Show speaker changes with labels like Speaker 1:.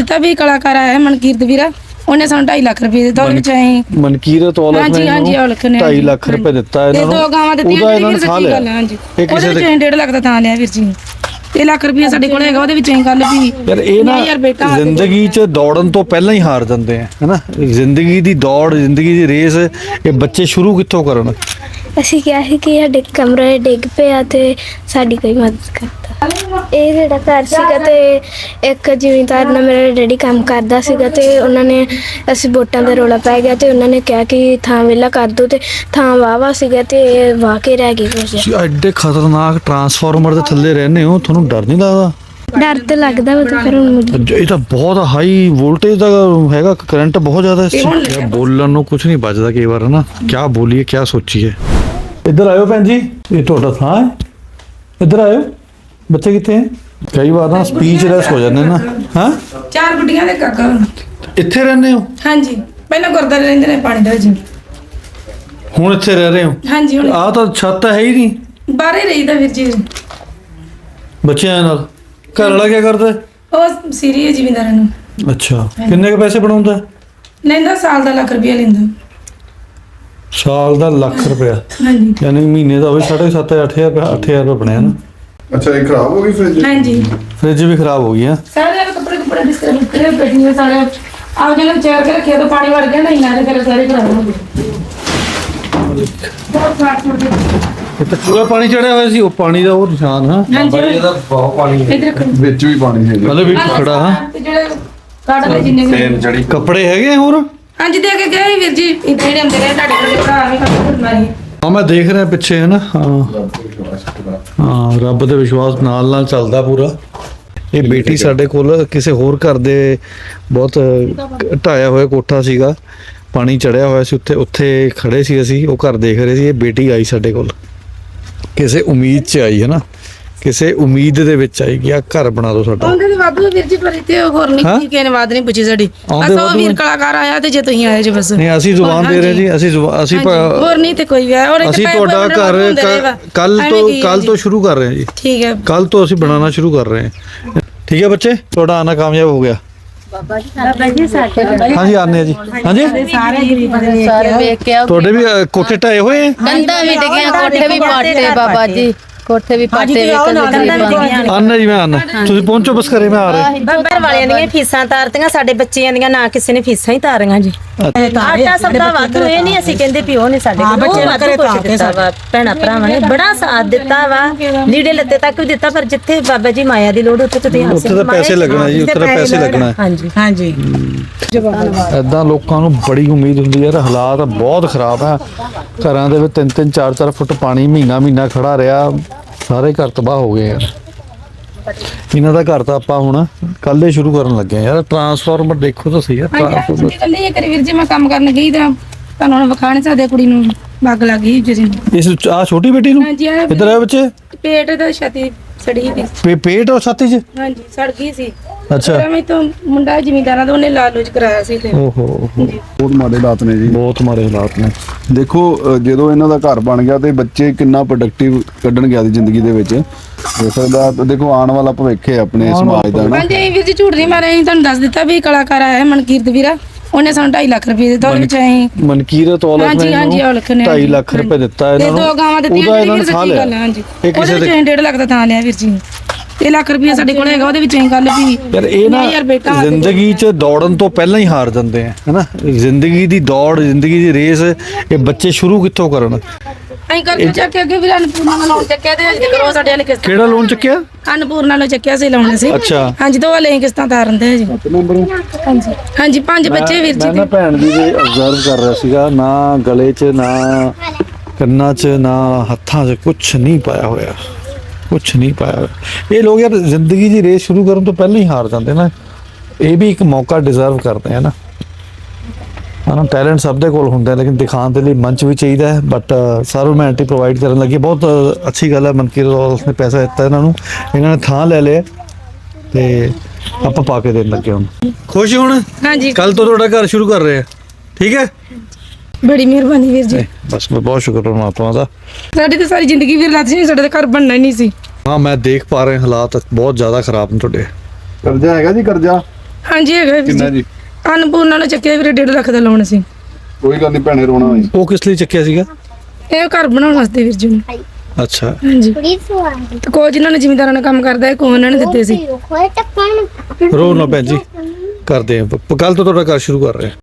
Speaker 1: ਦਿੱਤਾ ਵੀ ਕਲਾਕਾਰ ਆਇਆ ਮਨਕੀਰਤ ਵੀਰਾ, ਉਹਨੇ ਸਾਨੂੰ 2.5 ਲੱਖ ਰੁਪਏ ਦਿੱਤਾ। ਉਹਦੇ ਵਿੱਚ ਅਸੀਂ
Speaker 2: ਮਨਕੀਰਤ ਔਲਖ ਨੇ 2.5 ਲੱਖ ਰੁਪਏ ਦਿੱਤਾ ਇਹਨਾਂ ਨੂੰ।
Speaker 1: 2 ਗਾਵਾਂ ਦਿੱਤੀਆਂ ਵੀਰ, ਸੱਚੀ ਗੱਲ ਹੈ। ਹਾਂਜੀ ਉਹਦੇ ਵਿੱਚ 1.5 ਲੱਖ ਦਾ ਥਾਂ ਲਿਆ ਵੀਰ ਜੀ। 1 ਲੱਖ ਰੁਪਏ ਸਾਡੇ ਕੋਲ ਹੈਗਾ, ਉਹਦੇ ਵਿੱਚ ਅਸੀਂ ਗੱਲ ਵੀ
Speaker 2: ਯਾਰ ਇਹ ਨਾ ਜ਼ਿੰਦਗੀ 'ਚ ਦੌੜਨ ਤੋਂ ਪਹਿਲਾਂ ਹੀ ਹਾਰ ਜਾਂਦੇ ਆ, ਹੈਨਾ। ਜ਼ਿੰਦਗੀ ਦੀ ਦੌੜ, ਜ਼ਿੰਦਗੀ ਦੀ ਰੇਸ ਇਹ ਬੱਚੇ ਸ਼ੁਰੂ ਕਿੱਥੋਂ ਕਰਨ?
Speaker 3: ਅਸੀਂ ਕਿਹਾ ਸੀ ਕਿ ਸਾਡੇ ਕਮਰੇ ਡਿੱਗ ਪਿਆ ਤੇ ਸਾਡੀ ਕੋਈ ਮਦਦ ਕਰਦਾ। ਇਹ ਜਿਹੜਾ ਘਰ ਸੀਗਾ ਤੇ ਇੱਕ ਜ਼ਿਮੀਂਦਾਰ ਨਾਲ ਮੇਰਾ ਡੈਡੀ ਕੰਮ ਕਰਦਾ ਸੀਗਾ ਤੇ ਉਹਨਾਂ ਨੇ, ਅਸੀਂ ਵੋਟਾਂ ਦਾ ਰੌਲਾ ਪੈ ਗਿਆ ਤੇ ਉਹਨਾਂ ਨੇ ਕਿਹਾ ਕਿ ਥਾਂ ਵਿਹਲਾ ਕਰ ਦਿਓ ਤੇ ਥਾਂ ਵਾਹਵਾ ਸੀਗਾ ਤੇ ਵਾਹ ਕੇ ਰਹਿ ਗਈ ਕੁਝ।
Speaker 2: ਐਡੇ ਖਤਰਨਾਕ ਟਰਾਂਸਫਾਰਮਰ ਦੇ ਥੱਲੇ ਰਹਿੰਦੇ ਹੋ, ਤੁਹਾਨੂੰ ਡਰ ਨਹੀਂ ਲੱਗਦਾ?
Speaker 3: ਡਰ ਤੇ ਲੱਗਦਾ ਵਾ ਤੇ ਫਿਰ ਹੁਣ
Speaker 2: ਇਹ ਤਾਂ ਬਹੁਤ ਹਾਈ ਵੋਲਟੇਜ ਦਾ ਹੈਗਾ, ਕਰੰਟ ਬਹੁਤ ਜ਼ਿਆਦਾ ਇਸ 'ਚ। ਬੋਲਣ ਨੂੰ ਕੁਝ ਨਹੀਂ ਬਚਦਾ ਕਈ ਵਾਰ, ਨਾ ਕਿਆ ਬੋਲੀਏ ਕਿਆ ਸੋਚੀਏ। ਇੱਧਰ ਆਇਓ ਭੈਣ ਜੀ, ਇਹ ਤੁਹਾਡਾ ਥਾਂ ਹੈ, ਇੱਧਰ ਆਇਓ। ਬੱਚੇ ਕਿੱਥੇ ਹੈ? ਕਈ ਵਾਰ ਨਾ ਸਪੀਚਲੈਸ ਹੋ ਜਾਂਦੇ ਨਾ। ਹਾਂ
Speaker 1: 4 ਗੁੱਡੀਆਂ ਦੇ ਕਾਕਾ।
Speaker 2: ਇੱਥੇ ਰਹਿੰਦੇ ਹੋ?
Speaker 1: ਹਾਂਜੀ ਪਹਿਲਾਂ ਗੁਰਦਾਰੇ ਰਹਿੰਦੇ ਨੇ ਪਾਣੀ ਦੇ ਵਿੱਚ,
Speaker 2: ਹੁਣ ਇੱਥੇ ਰਹਿ ਰਹੇ ਹੋ?
Speaker 1: ਹਾਂਜੀ ਹੁਣ
Speaker 2: ਆਹ ਤਾਂ ਛੱਤ ਹੈ ਹੀ ਨਹੀਂ,
Speaker 1: ਬਾਹਰ ਹੀ ਰਹੀਦਾ ਵੀਰ ਜੀ।
Speaker 2: ਬੱਚਿਆਂ ਨਾਲ। ਘਰ ਵਾਲਾ ਕੀ ਕਰਦਾ?
Speaker 1: ਉਹ ਸੀਰੀ ਜ਼ਿਮੀਂਦਾਰਾਂ ਨੂੰ।
Speaker 2: ਅੱਛਾ, ਕਿੰਨੇ ਕੁ ਪੈਸੇ ਬਣਾਉਂਦਾ?
Speaker 1: ਲੈਂਦਾ ਸਾਲ ਦਾ 1 ਲੱਖ ਰੁਪਇਆ ਲੈਂਦਾ।
Speaker 2: ਸਾਲ ਦਾ 1 ਲੱਖ ਰੁਪਇਆ?
Speaker 1: ਹਾਂਜੀ
Speaker 2: ਯਾਨੀ ਮਹੀਨੇ ਦਾ ਹੋਵੇ 7.5 8,000 ਰੁਪਏ ਬਣਿਆ ਨਾ।
Speaker 4: ਅੱਛਾ ਇਹ ਖਰਾਬ ਹੋ ਗਈ ਫ੍ਰਿਜ?
Speaker 1: ਹਾਂਜੀ
Speaker 2: ਫ੍ਰਿਜ ਵੀ ਖਰਾਬ ਹੋ ਗਈ ਹੈ।
Speaker 1: ਸਾਰੇ ਕੱਪੜੇ ਬਿਸਤਰੇ ਨਿਕਲੇ ਬੈਠੀਆਂ ਸਾਰੇ ਆਪ ਜਿਹਨਾਂ ਵਿਚਾਰ ਕੇ ਰੱਖਿਆ ਤਾਂ ਪਾਣੀ ਵੜ ਗਿਆ ਨਹੀਂ ਨਾ ਤੇ ਸਾਰੇ ਖਰਾਬ ਹੋ ਗਏ। ਬਹੁਤ ਸਾਫ ਹੋ ਗਏ।
Speaker 2: ਇਹ ਤਾਂ ਪੂਰਾ ਪਾਣੀ ਚੜਿਆ ਹੋਇਆ ਸੀ, ਉਹ ਪਾਣੀ ਦਾ ਉਹ ਨਿਸ਼ਾਨ। ਹਾਂ
Speaker 1: ਹਾਂਜੀ
Speaker 4: ਇਹਦਾ ਬਹੁਤ ਪਾਣੀ ਹੈ,
Speaker 1: ਇਧਰ
Speaker 4: ਵਿੱਚ ਵੀ ਪਾਣੀ ਹੈ।
Speaker 2: ਮਤਲਬ ਵੀ ਖੜਾ। ਹਾਂ
Speaker 1: ਤੇ ਜਿਹੜੇ ਕਾਟਨ ਦੇ ਜਿੰਨੇ ਵੀ
Speaker 4: ਤੇਲ ਜੜੀ
Speaker 2: ਕੱਪੜੇ ਹੈਗੇ ਹੋਰ?
Speaker 1: ਹਾਂਜੀ ਦੇ ਕੇ ਗਏ ਵੀਰ ਜੀ, ਇੱਥੇ ਜਿਹੜੇ ਹੁੰਦੇ ਨੇ ਤੁਹਾਡੇ ਕੋਲ ਭਰਾ ਵੀ ਕੱਪੜੇ ਮਾਰੀ।
Speaker 2: ਹਾਂ ਮੈਂ ਦੇਖ ਰਿਹਾ ਪਿੱਛੇ, ਹੈ ਨਾ। ਹਾਂ ਹਾਂ, ਰੱਬ ਦੇ ਵਿਸ਼ਵਾਸ ਨਾਲ ਚੱਲਦਾ ਪੂਰਾ। ਇਹ ਬੇਟੀ ਸਾਡੇ ਕੋਲ ਕਿਸੇ ਹੋਰ ਘਰ ਦੇ ਬਹੁਤ ਢਾਇਆ ਹੋਇਆ ਕੋਠਾ ਸੀਗਾ, ਪਾਣੀ ਚੜਿਆ ਹੋਇਆ ਸੀ, ਉੱਥੇ ਖੜੇ ਸੀ ਅਸੀਂ, ਉਹ ਘਰ ਦੇਖ ਰਹੇ ਸੀ। ਇਹ ਬੇਟੀ ਆਈ ਸਾਡੇ ਕੋਲ, ਕਿਸੇ ਉਮੀਦ 'ਚ ਆਈ, ਹੈ ਨਾ, ਕਿਸੇ ਉਮੀਦ ਦੇ ਵਿੱਚ ਆਈ ਕਿ ਆ ਘਰ ਬਣਾ ਦਿਓ ਸਾਡਾ।
Speaker 1: ਆਉਂਦੇ ਤੇ ਵਾਧੂ ਵੀਰ ਜੀ, ਪਰ ਇੱਥੇ ਹੋਰ ਨਹੀਂ ਕਿਸੇ ਨੇ ਬਾਤ ਨਹੀਂ ਪੁੱਛੀ ਸਾਡੀ। ਬਸ ਉਹ ਵੀਰ ਕਲਾਕਾਰ ਆਇਆ ਤੇ ਜੇ ਤੁਸੀਂ ਆਏ ਜੇ ਬਸ।
Speaker 2: ਨਹੀਂ ਅਸੀਂ ਜ਼ੁਬਾਨ ਦੇ ਰਹੇ ਜੀ, ਅਸੀਂ
Speaker 1: ਹੋਰ ਨਹੀਂ ਤੇ ਕੋਈ ਵੀ ਆਇਆ। ਔਰ
Speaker 2: ਅਸੀਂ ਤੁਹਾਡਾ ਘਰ ਕੱਲ ਤੋਂ ਸ਼ੁਰੂ ਕਰ ਰਹੇ ਹਾਂ ਜੀ।
Speaker 1: ਠੀਕ ਹੈ,
Speaker 2: ਕੱਲ ਤੋਂ ਅਸੀਂ ਬਣਾਉਣਾ ਸ਼ੁਰੂ ਕਰ ਰਹੇ ਹਾਂ। ਠੀਕ ਹੈ ਬੱਚੇ, ਤੁਹਾਡਾ ਆਣਾ ਕਾਮਯਾਬ ਹੋ ਗਿਆ। ਹਾਂਜੀ ਆਨੇ ਆ ਜੀ। ਹਾਂਜੀ
Speaker 5: ਸਾਰੇ ਵੇਖ ਕੇ
Speaker 2: ਤੁਹਾਡੇ ਵੀ ਕੋਠੇ ਢਾਏ ਹੋਏ ਆ?
Speaker 5: ਕੰਧਾਂ ਵੀ ਡਿੱਗੀਆਂ, ਕੋਠੇ ਵੀ ਪਾਟੇ ਬਾਬਾ ਜੀ, ਕੋਠੇ ਵੀ ਪਾਟੇ
Speaker 2: ਆਨਾ ਜੀ, ਮੈਂ ਆਨਾ। ਤੁਸੀਂ ਪਹੁੰਚੋ ਬਸ, ਘਰੇ ਮੈਂ ਆ ਰਿਹਾ।
Speaker 6: ਘਰ ਵਾਲਿਆਂ ਦੀਆਂ ਫੀਸਾਂ ਤਾਰਤੀਆਂ, ਸਾਡੇ ਬੱਚਿਆਂ ਦੀਆਂ ਨਾ ਕਿਸੇ ਨੇ ਫੀਸਾਂ ਹੀ ਤਾਰੀਆਂ ਜੀ। ਆਟਾ ਸਭ ਦਾ ਵਾਧੂ, ਇਹ ਨਹੀਂ ਅਸੀਂ ਕਹਿੰਦੇ ਵੀ ਉਹ ਨਹੀਂ ਸਾਡੇ ਕੋਲ, ਉਹ ਵਾਧੂ ਕੁਛ ਦਿੱਤਾ ਵਾ। ਭੈਣਾਂ ਭਰਾਵਾਂ ਨੇ ਬੜਾ ਸਾਥ ਦਿੱਤਾ ਵਾ, ਲੀੜੇ ਲੱਤੇ ਤੱਕ ਵੀ ਦਿੱਤਾ। ਪਰ ਜਿੱਥੇ ਬਾਬਾ ਜੀ ਮਾਇਆ ਦੀ ਲੋੜ, ਉੱਥੇ ਤੁਸੀਂ
Speaker 2: ਉੱਥੇ ਤਾਂ ਪੈਸੇ ਲੱਗਣਾ ਜੀ, ਉੱਥੇ ਤਾਂ ਪੈਸੇ ਲੱਗਣਾ।
Speaker 6: ਹਾਂਜੀ
Speaker 1: ਹਾਂਜੀ
Speaker 2: ਏਦਾਂ ਲੋਕਾਂ ਨੂੰ ਬੜੀ ਉਮੀਦ ਹੁੰਦੀ ਹੈ। ਹਾਲਾਤ ਬਹੁਤ ਖਰਾਬ ਹੈ, ਘਰਾਂ ਦੇ ਵਿੱਚ 3-3 4-4 ਫੁੱਟ ਪਾਣੀ ਮਹੀਨਾ ਖੜਾ ਰਿਹਾ, ਸਾਰੇ ਘਰ ਤਬਾਹ ਹੋ ਗਏ ਯਾਰ। ਇਹਨਾਂ ਦਾ ਘਰ ਤਾਂ ਆਪਾਂ ਹੁਣ ਕੱਲ ਹੀ ਸ਼ੁਰੂ ਕਰਨ ਲੱਗੇ ਯਾਰ। ਟਰਾਂਸਫਾਰਮਰ ਦੇਖੋ ਤਾਂ ਸਹੀ ਯਾਰ, ਟਰਾਂਸਫਾਰਮਰ
Speaker 1: ਕੱਲੇ ਇਹ ਕਰੀ ਵੀਰ ਜੀ, ਮੈਂ ਕੰਮ ਕਰਨ ਗਈ ਤਾਂ ਤੁਹਾਨੂੰ ਹੁਣ ਵਿਖਾ ਨਹੀਂ ਸਕਦੇ, ਕੁੜੀ ਨੂੰ ਬੱਗ ਲੱਗ ਗਈ ਜੀ।
Speaker 2: ਇਸ ਆ ਛੋਟੀ ਬੇਟੀ ਨੂੰ
Speaker 1: ਹਾਂਜੀ
Speaker 2: ਇੱਧਰ ਆ ਬੱਚੇ,
Speaker 1: ਪੇਟ ਦਾ ਛਾਤੀ ਸੜੀ ਸੀ।
Speaker 2: ਪੇਟ ਔਰ ਛਾਤੀ 'ਚ?
Speaker 1: ਹਾਂਜੀ ਸੜ ਗਈ ਸੀ।
Speaker 2: ਅੱਛਾ,
Speaker 1: ਮੈਂ ਤਾਂ ਮੁੰਡਾ ਜ਼ਿਮੀਂਦਾਰਾਂ ਦਾ, ਉਹਨੇ ਲਾਲੂਚ ਕਰਾਇਆ ਸੀ ਤੇ
Speaker 2: ਓਹੋ
Speaker 4: ਬਹੁਤ ਮਾੜੇ ਹਾਲਾਤ ਨੇ ਜੀ,
Speaker 2: ਬਹੁਤ ਮਾੜੇ ਹਾਲਾਤ ਨੇ।
Speaker 4: ਦੇਖੋ ਜਦੋਂ ਇਹਨਾਂ ਦਾ ਘਰ ਬਣ ਗਿਆ ਤੇ ਬੱਚੇ ਕਿੰਨਾ ਪ੍ਰੋਡਕਟਿਵ ਕੱਢਣਗੇ ਆਪਣੀ ਜ਼ਿੰਦਗੀ ਦੇ ਵਿੱਚ। ਹੋ ਸਕਦਾ ਦੇਖੋ ਆਉਣ ਵਾਲਾ ਭਵਿੱਖ ਹੈ ਆਪਣੇ ਸਮਾਜ ਦਾ ਨਾ।
Speaker 1: ਹਾਂਜੀ ਵੀਰ ਜੀ ਝੂਠ ਨਹੀਂ ਮਾਰਿਆ, ਅਸੀਂ ਤੁਹਾਨੂੰ ਦੱਸ ਦਿੱਤਾ ਵੀ ਕਲਾਕਾਰ ਆਇਆ ਮਨਕੀਰਤ ਵੀਰਾ, ਉਹਨੇ ਸਾਨੂੰ 2.5 ਲੱਖ ਰੁਪਏ ਦਿੱਤਾ। ਉਹਦੇ ਵਿੱਚ ਅਸੀਂ
Speaker 2: ਮਨਕੀਰਤ ਔਲਖ ਨੇ
Speaker 1: 2.5
Speaker 2: ਲੱਖ ਰੁਪਏ ਦਿੱਤਾ ਇਹਨਾਂ ਨੂੰ।
Speaker 1: 2 ਗਾਵਾਂ ਦਿੱਤੀਆਂ ਵੀਰ, ਸੱਚੀ ਗੱਲ ਹੈ। ਹਾਂਜੀ ਉਹਦੇ ਵਿੱਚ 1.5 ਲੱਖ ਦਾ ਥਾਂ ਲਿਆ ਵੀਰ ਜੀ। 1 ਲੱਖ ਰੁਪਏ ਸਾਡੇ ਕੋਲ ਹੈਗਾ, ਉਹਦੇ ਵਿੱਚ ਅਸੀਂ ਗੱਲ ਵੀ
Speaker 2: ਯਾਰ ਇਹ ਨਾ ਜ਼ਿੰਦਗੀ 'ਚ ਦੌੜਨ ਤੋਂ ਪਹਿਲਾਂ ਹੀ ਹਾਰ ਜਾਂਦੇ ਆ, ਹੈਨਾ। ਜ਼ਿੰਦਗੀ ਦੀ ਦੌੜ, ਜ਼ਿੰਦਗੀ ਦੀ ਰੇਸ ਇਹ ਬੱਚੇ ਸ਼ੁਰੂ ਕਿੱਥੋਂ ਕਰਨ?
Speaker 1: ਅਸੀਂ ਕਰਕੇ ਚੱਕ ਕੇ ਅੱਗੇ ਵੀ ਅਨਪੂਰਨਾ ਦਾ ਲੋਨ ਚੱਕਿਆ ਤੇ ਅੱਜ ਕਰੋ ਸਾਡੇ ਵਾਲੇ ਕਿਸ਼ਤ।
Speaker 2: ਕਿਹੜਾ ਲੋਨ ਚੱਕਿਆ?
Speaker 1: ਅਨਪੂਰਨਾ ਲੋ ਚੱਕਿਆ ਸੀ, ਲਾਉਣੇ ਸੀ।
Speaker 2: ਅੱਛਾ
Speaker 1: ਹਾਂਜੀ 2 ਵਾਲੇ ਕਿਸ਼ਤਾਂ ਤਾਰਨਦੇ ਜੀ। ਹਾਂਜੀ ਹਾਂਜੀ 5 ਬੱਚੇ ਵੀਰ ਜੀ।
Speaker 2: ਮੈਂ ਨਾ ਭੈਣ ਦੀ ਅਬਜ਼ਰਵ ਕਰ ਰਿਹਾ ਸੀਗਾ, ਨਾ ਗਲੇ 'ਚ, ਨਾ ਕੰਨਾਂ 'ਚ, ਨਾ ਹੱਥਾਂ 'ਚ ਕੁਛ ਨਹੀਂ ਪਾਇਆ ਹੋਇਆ, ਕੁਛ ਨਹੀਂ ਪਾਇਆ ਹੋਇਆ। ਇਹ ਲੋਕ ਯਾਰ ਜ਼ਿੰਦਗੀ ਦੀ ਰੇਸ ਸ਼ੁਰੂ ਕਰਨ ਤੋਂ ਪਹਿਲਾਂ ਹੀ ਹਾਰ ਜਾਂਦੇ ਨਾ। ਇਹ ਵੀ ਇੱਕ ਮੌਕਾ ਡਿਜ਼ਰਵ ਕਰਦੇ ਆ ਨਾ। ਹਨਾ, ਟੈਲੈਂਟ ਸਭ ਦੇ ਕੋਲ ਹੁੰਦਾ, ਲੇਕਿਨ ਦਿਖਾਉਣ ਦੇ ਲਈ ਮੰਚ ਵੀ ਚਾਹੀਦਾ ਹੈ। ਬਟ ਸਰਵਮੈਂਟੀ ਪ੍ਰੋਵਾਈਡ ਕਰਨ ਲੱਗੇ, ਬਹੁਤ ਅੱਛੀ ਗੱਲ ਹੈ। ਮਨਕੀਰਤ ਔਲਖ ਨੇ ਪੈਸਾ ਦਿੱਤਾ ਇਹਨਾਂ ਨੂੰ, ਇਹਨਾਂ ਨੇ ਥਾਂ ਲੈ ਲਿਆ ਤੇ ਆਪਾਂ ਪਾ ਕੇ ਦੇਣ ਲੱਗੇ। ਹੁਣ ਖੁਸ਼ ਹੁਣ?
Speaker 1: ਹਾਂਜੀ
Speaker 2: ਕੱਲ ਤੋਂ ਤੁਹਾਡਾ ਘਰ ਸ਼ੁਰੂ ਕਰ ਰਹੇ ਆ, ਠੀਕ ਹੈ?
Speaker 1: ਬੜੀ ਮਿਹਰਬਾਨੀ ਵੀਰ ਜੀ।
Speaker 2: ਬਸ ਮੈਂ ਬਹੁਤ ਸ਼ੁਕਰ ਪਰਮਾਤਮਾ ਦਾ।
Speaker 1: ਸਾਡੀ ਤਾਂ ਸਾਰੀ ਜ਼ਿੰਦਗੀ ਵੀਰ ਲੱਤ ਸੀ, ਸਾਡੇ ਤਾਂ ਘਰ ਬਣਨਾ ਹੀ ਨਹੀਂ ਸੀ।
Speaker 2: ਹਾਂ ਮੈਂ ਦੇਖ ਪਾ ਰਿਹਾ, ਹਾਲਾਤ ਬਹੁਤ ਜ਼ਿਆਦਾ ਖਰਾਬ ਨੇ ਤੁਹਾਡੇ।
Speaker 4: ਕਰਜ਼ਾ ਹੈਗਾ ਜੀ, ਕਰਜ਼ਾ
Speaker 1: ਹਾਂਜੀ ਹੈਗਾ ਵੀਰ
Speaker 4: ਕਿੰਨਾ
Speaker 1: ਜੀ
Speaker 4: ਜੀ?
Speaker 1: ਅਨਪੂਰਨਾ ਨੇ ਚੱਕਿਆ ਵੀਰੇ 1.5 ਲੱਖ ਦਾ ਲੋਨ ਸੀ।
Speaker 4: ਕੋਈ ਗੱਲ ਨਹੀਂ ਭੈਣੇ, ਰੋਣਾ ਹੋਈ।
Speaker 2: ਉਹ ਕਿਸ ਲਈ ਚੱਕਿਆ ਸੀਗਾ?
Speaker 1: ਇਹ ਘਰ ਬਣਾਉਣ ਵਾਸਤੇ ਵੀਰ ਜੀ ਨੂੰ।
Speaker 2: ਅੱਛਾ,
Speaker 1: ਹਾਂਜੀ ਤੇ ਕੋਈ ਜਿਨ੍ਹਾਂ ਨੇ ਜ਼ਿਮੀਂਦਾਰਾਂ ਨਾਲ ਕੰਮ ਕਰਦਾ ਹੈ ਕੋਈ ਉਹਨਾਂ ਨੇ ਦਿੱਤੇ ਸੀ।
Speaker 2: ਰੋ ਨਾ ਭੈਣ ਜੀ, ਕਰਦੇ ਆ ਕੱਲ ਤੋਂ ਤੁਹਾਡਾ ਘਰ ਸ਼ੁਰੂ ਕਰ ਰਹੇ ਹਾਂ।